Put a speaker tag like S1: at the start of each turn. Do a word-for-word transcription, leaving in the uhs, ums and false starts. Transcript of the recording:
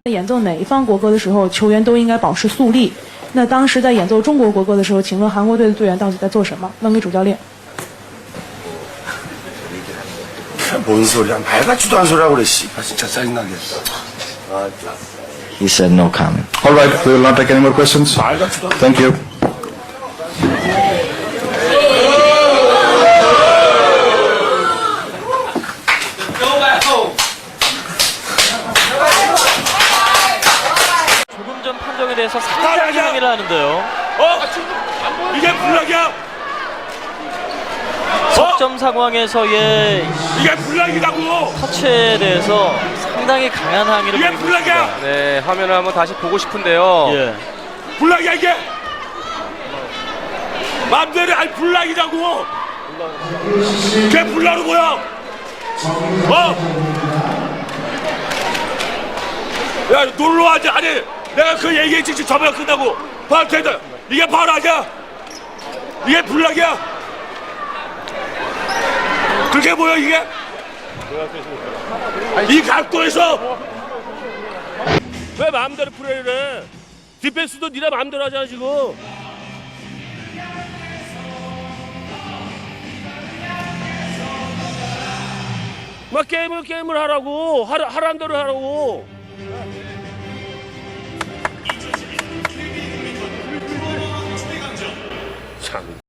S1: 演奏哪一方国歌的时候，球员都应该保持肃立。那当时在演奏中国国歌的时候，请问韩国队的队员到底在做什么？问给主教练。
S2: 뭔 소리야? 말 같지도 않은 소리라고 그래, 씨. 아, 진짜 짜증나게. 아,
S3: He said no comment.
S4: All right, we will not take any more questions.
S2: 말 같지도 않은
S4: Thank you.
S5: 조금 전 판정에 대해서 상당히 항의를 하는데요.
S2: 어? 이게 불락이야?
S5: 석점 상황에서의
S2: 이게 불락이라고!
S5: 터치에 대해서 상당히 강한 항의를
S2: 이게
S5: 보이고
S2: 불락이야!
S5: 있습니다.
S6: 네, 화면을 한번 다시 보고 싶은데요.
S5: 예.
S2: 불락이야, 이게! 맘대로 아니 불락이라고! 그게 불락으로 보여! 어? 야, 놀러와야지. 아니, 내가 그 얘기했지, 지금 저번에 끝나고. 바로 된다. 이게 바로 아니야? 이게 불락이야? 그렇게 보여, 이게? 이 각도에서! 왜 마음대로 플레이를 해? 디펜스도 니네 마음대로 하잖아, 지금. 막 게임을 게임을 하라고. 하라, 하란 대로 하라고. 참.